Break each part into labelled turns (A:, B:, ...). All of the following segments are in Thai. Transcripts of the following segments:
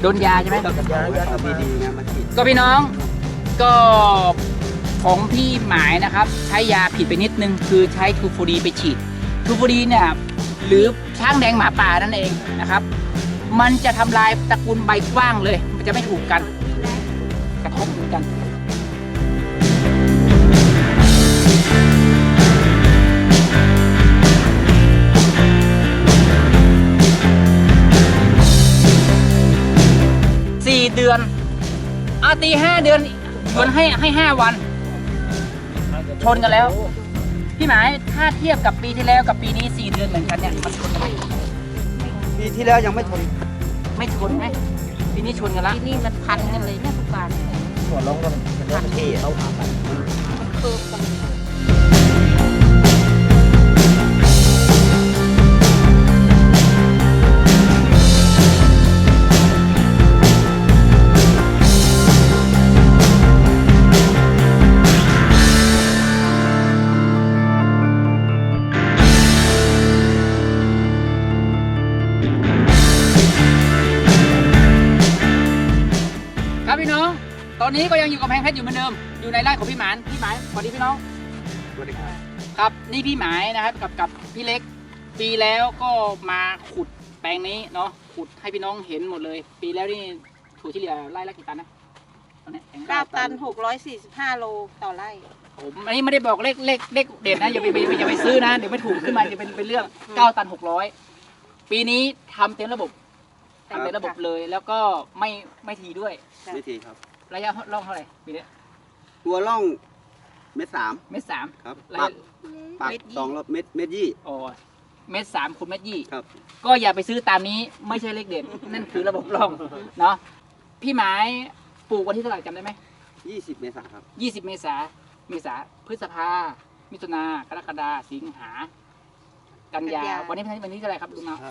A: ดนยาใช่ไหม
B: กับยากับดีๆนะมาฉีด
A: ก็พี่น้องก็ของพี่หมายนะครับใช้ยาผิดไปนิดนึงคือใช้ทูฟูดีไปฉีดทูฟูดีเนี่ยหรือช้างแดงหมาป่านั่นเองนะครับมันจะทำลายตระกูลใบกว้างเลยมันจะไม่ถูกกันกระทบเหมือนกัน4 เดือนตี5 เดือนชวนให้5 วันชนกันแล้วพี่หมายถ้าเทียบกับปีที่แล้วกับปีนี้4 เดือนเหมือนกันเนี่ยมันชนกันไหม
B: ปีที่แล้วยังไม่ชน
A: ไม่ชนไหมปีนี้ชนกันละ
C: ที่นี่มันพันกันเลยเนี่ยทุกการ
B: หัวลงก็มันพันที่เขาผ่าไป
C: มันเคิร์ฟกัน
A: ครับพี่น้องตอนนี้ก็ยังอยู่กับแพงเพชรอยู่เหมือนเดิมอยู่ในไร่ของพี่หมานสวัสดีพี่น้อง
B: สวัสดีครับ
A: ครับนี่พี่หมายนะครับกับพี่เล็กปีแล้วก็มาขุดแปลงนี้เนาะขุดให้พี่น้องเห็นหมดเลย ปีแล้วนี่ถั่วที่เหลือไร่ละกี่ตันนะตอนนี้
C: 9 ตัน 645 โลต่อไร่
A: ผมอันนี้ไม่ได้บอกเลขเด่นนะอย่าไปซื้อนะเดี๋ยวไม่ถูกขึ้นมาจะเป็นเรื่อง9 ตัน 600ปีนี้ทำเต็มระบบเลยแล้วก็ไม่ทีด้วย
B: ไม่ทีครับ
A: ระยะร่องเท่าไหร่ปีนี้
B: ตัวร่องเม็ด 3
A: เมตร 3
B: ครับ
A: ระยะ
B: ปัก2รอบเม็ด 20
A: อ๋อ1.3 คูณ1.20
B: ครับ
A: ก็อย่าไปซื้อตามนี้ไม่ใช่เลขเด่นนั่นคือระบบร่องเนาะพี่หมายปลูกวันที่เท่าไหร่จำได้ไหม
B: 20 เมษายนครับ
A: 20 เมษาพฤษภามิถุนากรกฎาสิงหากันยาวันนี้เท่าไหร่ครับลุงเนาะ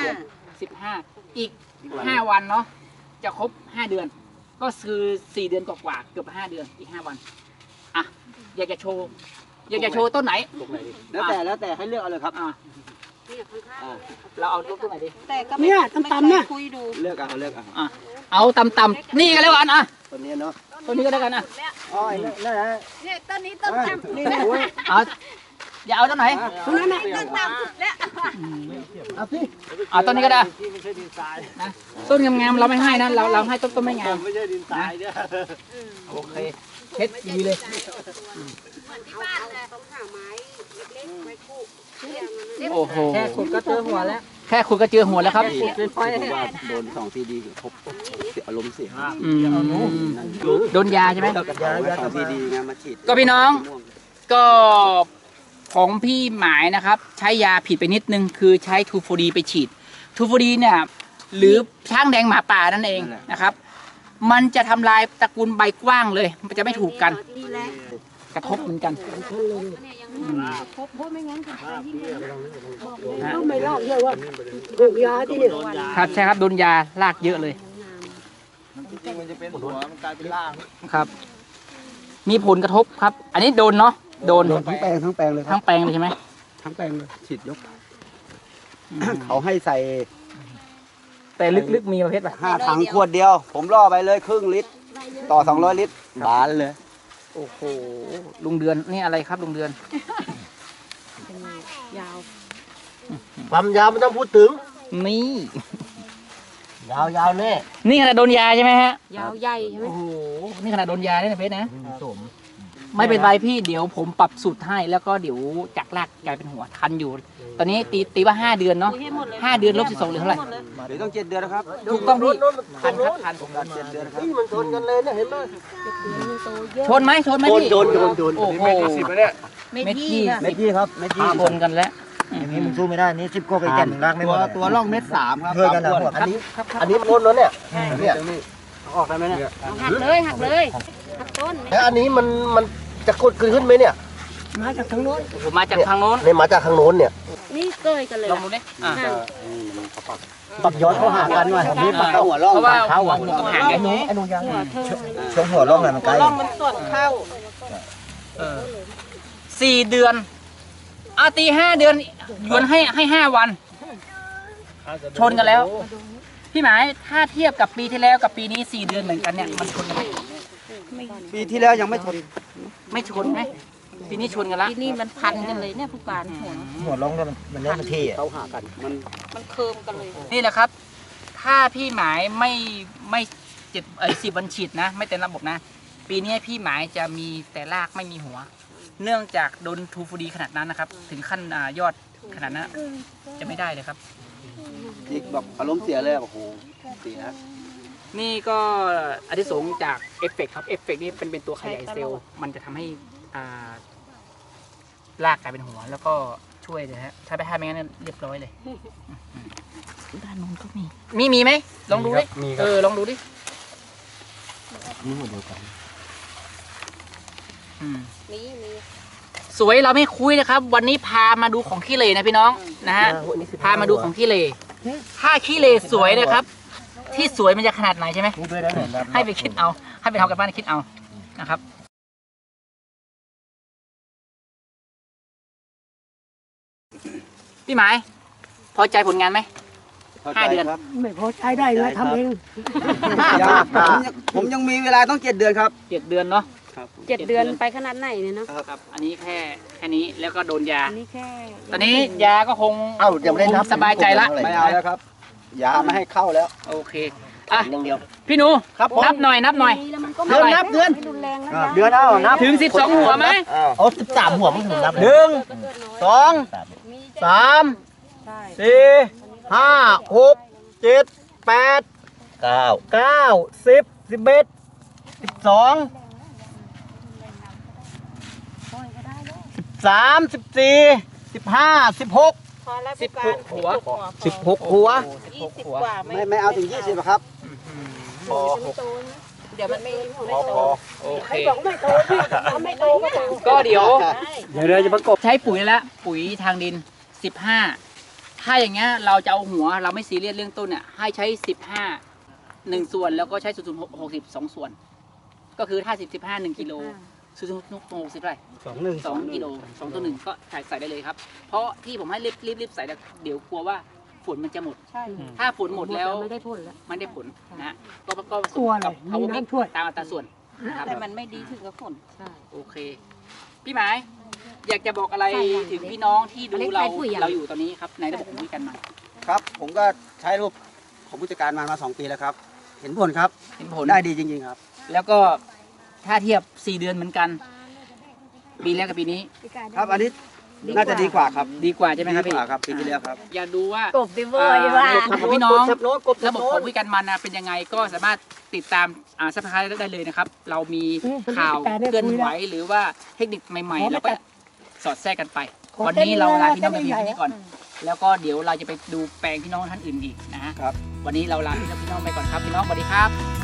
A: 15อีก5 วันเนาะจะครบ5 เดือน ก็คือ4 เดือนกว่าเกือบ5 เดือนอีก5 วันอ่ะอยากจะโชว์ต้นไหน
B: แล้วแต่ให้เลือกเอาเลยครับ
A: อ่ะเราเอาต้นไหนดี
C: แต่ก็ไม่คุยดู
B: เลือกเอา
A: อ่ะเอาต่ำๆนี่กันแล้วกันอ่ะ
B: ตัวนี้เนาะ
A: ต้นนี้ก็ได้กันอ่ะ
B: อ๋อนั่นแหละ
C: เนี่ยต้นนี้ต้นต่ำ
B: นี่นะโอ้ย
A: เอาอย่าเอาต้นไหน
C: ต้นนั้นต้นต่ำสุดแล้ว
B: เอาสิ
A: เอาต้นนี้ก็ได้
D: ที่ไม่ใช่ดินทราย
A: นะต้นงามๆเราไม่ให้นะเราให้ต้นไม่งาม
D: ไม่ใช่ดินทรายเนี่ย
A: โอเคเช็ดดีเลย
C: ที่บ้านเลยต้องหาไม้เล็กๆไม้คู่
A: โอ้โห
C: แค่ขุดก็เจอหัวแล้ว
A: แค่คุณก็เจอหัวแล้วครับ
B: ผมว่าโดน2 ทีดีครบเสียอารมณ์เสีย
A: อืมโดนยาใช่ไหม
B: กับยากับดีๆนะมาฉีด
A: ก็พี่น้องก็ของพี่หมายนะครับใช้ยาผิดไปนิดนึงคือใช้ทูฟูดีไปฉีดทูฟูดีเนี่ยหรือช้างแดงหมาป่านั่นเองนะครับมันจะทำลายตระกูลใบกว้างเลยมันจะไม่ถูกกันกระทบเหมือนกัน
C: ครบเพราะไม่งั้นจะไปยิ่ง
E: ไม่รอดเลยว่าปลูกยาที่นี่
A: ครับใช่ครับโดนยาลากเยอะเลย
D: จริงๆมันจะเป็นหัวมันกลายเป็นล่าง
A: ครับ มีผลกระทบครับ อันนี้โดนเนาะโดน
B: ทั้งแปลงเลยครั
A: ทั้
B: บ
A: งแปลงเลยใช่ไหม
B: ทั้งแปลงเลยฉีดยก เขาให้ใส่
A: แต่ลึกๆมีประเภทแบบ
B: 5 ถังขวดเดียว ผมล่อไปเลยครึ่งลิตร ต่อ 200 ลิตรบานเลย
A: โอ้โหลุงเดือนนี่อะไรครับลุงเดือน
C: ยาว
D: ความยาวมันต้องพูดถึง
A: นี่
D: ยาวแน่
A: นี่ขนาดโดนยาใช่ไหมฮะ
C: ยาวใหญ่ใช่ไหม
A: โอ้โหนี่ขนาดโดนยาเนี่ยนะเพชรนะ
D: สม
A: ไม่เป็นไรพี่เดี๋ยวผมปรับสูตรให้แล้วก็เดี๋ยวจากรากกลายเป็นหัวทันอยู่ ตอนนี้ตีว่า5 เดือนเนาะ
C: คุยให้หมดเลย
A: 5 เดือนลบ12เหลือเท่าไหร่
B: เดี๋ยวต้อง7 เดือนนะครับ
A: ถูกต้องพี่
D: ทั
A: ทั
D: น
A: นครับทัน
B: 7 เดือนครับ
D: นี่มันชนกันเลยเนี่ยเห็นไหม
A: ชนไหมพี่
D: โดน
A: โอ้โห
C: เม็ด
A: เม็ด
C: ยี่
A: ยี่
C: ค่ะ
B: เม็ดยี่ครับเม็ดยี่
A: ชนกันแล้ว
D: อย่างนี้มึงสู้ไม่ได้นี่10ก็ไปแก่นรากไม่หมด
B: ตัวร่องเม็ด 3 ครับ
D: เพื่อกันนะ
B: 3ขวด
D: อันนี้พ้นแล้วเนี่ยเนี่ย
B: ออกได้ไหมเนี่ย
C: หักเลยหักต้น
D: แล้วอันนี้มันจะกดขึ้นไหมเนี่ย
E: มาจากทางโน้น
A: ผมมาจากทางโน้น
D: เนี่ยมาจากทางโน้นเนี่ย
C: นี่เกยกันเลย
A: ลองดูดิอ่ะ
D: ปักย้อนเข้าหากันว่ะนี่ปักเข้าหัวร่อง
A: เพราะว่า
D: เข้า
A: หัวกับหางไง
D: ไอ้หนูยัง
C: หัวเธอ
D: ช่วงหัวร่องน่ะมันไกล
C: ร่องมันส่วนเข้า
A: 4 เดือนตี5 เดือนชวนให้5 วันชนกันแล้วพี่หมายถ้าเทียบกับปีที่แล้วกับปีนี้4 เดือนเหมือนกันเนี่ยมันชนกันไหม
B: ปีที่แล้วยังไม่ชน
A: ไม่ชนไหมปีนี้ชนกันละ
C: ที่นี่มันพันกันเลยเนี่ยผู้การหัว
D: หัวลงเนี่ยมันเล่นมันที่อ่ะ
B: เขาหากันมัน
C: มันเคิมกันเลย
A: นี่แหละครับ ถ้าพี่หมายไม่10 วันฉีดนะ ไม่เต็มระบบนะ ปีนี้พี่หมายจะมีแต่รากไม่มีหัว เนื่องจากโดนทูฟูดีขนาดนั้นนะครับ ถึงขั้นยอดขนาดนั้นจะไม่ได้เลยครับ
B: จิกแบบอารมณ์เสียเลยโอ้โหเสีย
A: นี่ก็อานิสงส์จากเอฟเฟกต์ครับเอฟเฟกต์นี่เป็นตัวขยายเซลล์มันจะทำให้รากกลายเป็นหัว แล้วก็ช่วยเลยฮะถ้าไม่งั้นเรียบร้อยเลย
C: ด้านนู้นก็มี
A: มีไหมลองดูดิลองดูดิ
D: นี่หัวเดียวกัน
C: มี
A: สวยเราไม่คุยนะครับ วันนี้พามาดูของขี้เหร่นะพี่น้องนะฮะพามาดูของขี้เหร่ถ้าขี้เหร่สวยนะครับ ที่สวยมันจะขนาดไหนใช่ไหม
D: พูดด้วยได้เหมือนกัน
A: ให้ไปคิดเอา ให้ไปทำกันบ้านคิดเอานะครับพี่หมายพอใจผลงานไหม 5 เดือน
B: ครับ
E: ไม่พอใช้ได้ไงทำเอง
B: ผมยังมีเวลาต้อง7 เดือนครับ
A: 7 เดือนเนาะ
B: ครับ
C: 7 เดือนไปขนาดไหนเนี่ยเนาะ
A: ครับอันนี้แค่นี้แล้วก็โดนยา
C: อันนี้แค่
A: ตอนนี้ยาก็คง
D: เอ้ายังไม่ได้นับ
A: สบายใจละ
B: ไม่เอาแล้วครับยาไม่ให้เข้าแล้ว
A: โอเคอ่ะ
D: อย่างเดียว
A: พี่หนู
D: ครับผม
A: นับหน่อย
C: แล้วมันก็
A: เดือนนับเดือน
C: ไม่รุนแรงแล้ว
D: เดือนเอานับ
A: ถึง12 หัวไหม
D: เอา13 หัวมันถึงนับ
A: หนึ่ง สอง
C: มี
A: สาม
C: ใช่
A: สี่ห้าหกเจ็ดแปด
D: 9
A: เก้า10 11 12 13 14 15 16
C: พอแล้ว
A: 16 หัว
D: 16 หัว
C: 20 กว่าไหม
B: ไม่เอาถึง20หรอกครับ
C: เดี๋ยวมันไม่
A: โอเค
E: บอกไม่โตพี่ทำไม่โตก็โต
A: ก็เดี๋ยว
D: เดี๋ยวจะประกบ
A: ใช้ปุ๋ยแล้วปุ๋ยทางดิน 15 ถ้าอย่างเงี้ยเราจะเอาหัวเราไม่ซีเรียสเรื่องต้นเนี่ยให้ใช้ 15 1 ส่วนแล้วก็ใช้0.60 2 ส่วน ก็คือถ้า15 1 กิโล0.60เท่าไหร่ 2 กิโล2 ต่อ 1 ก็ใส่ได้เลยครับ เพราะที่ผมให้รีบใส่แล้วเดี๋ยวกลัวว่าฝนมันจะหมด
C: ใช่
A: ถ้าฝนหมดแล้ว
C: ไม่ได้ผลแล้ว
A: มันได้ผลนะฮะก็ผส
E: ตัว
A: ม
E: อะไร
A: กับ
E: มี
A: power mix
E: น้ำช่วย
A: ตามอัตราส่วนนะครับ
C: แต่มันไม่ดีถึงกับผลใช่
A: โอเค พี่หมายอยากจะบอกอะไรถึงพี่น้องที่ดูเราอยู่ตอนนี้ครับในระบบของวิกันมา
B: ครับ ผมก็ใช้รูปของผู้จัดการมา2 ปีแล้วครับ เห็นผลครับ
A: เห็นผล
B: ได้ดีจริงๆครับ
A: แล้วก็ถ้าเทียบ 4 เดือนเหมือนกัน ปีแรกกับปีนี้
B: ครับอันนี้น่าจะดีกว่าครับ
A: ดีกว่าใช่ไหมครับ
B: ดี
A: พี่
B: กว่าครับปีที่แล้วครับ
A: อยากดูว่าก
C: บดิเวอร์ว่า
A: ระบบของพี่น้อง
D: กบโน้ตกบ
A: ระบบของวิกันมันนะเป็นยังไงก็สามารถติดตามซับสไครต์ได้เลยนะครับ เรามีข่าวเคลื่อนไหวหรือว่าเทคนิคใหม่ๆแล้วก็สอดแทรกกันไป วันนี้เราลาพี่น้องไปเพียงแค่นี้ก่อน แล้วก็เดี๋ยวเราจะไปดูแปลงพี่น้องท่านอื่นอีกนะฮะ
B: ครับ
A: วันนี้เราลาพี่น้องไปก่อนครับพี่น้องสวัสดีครับ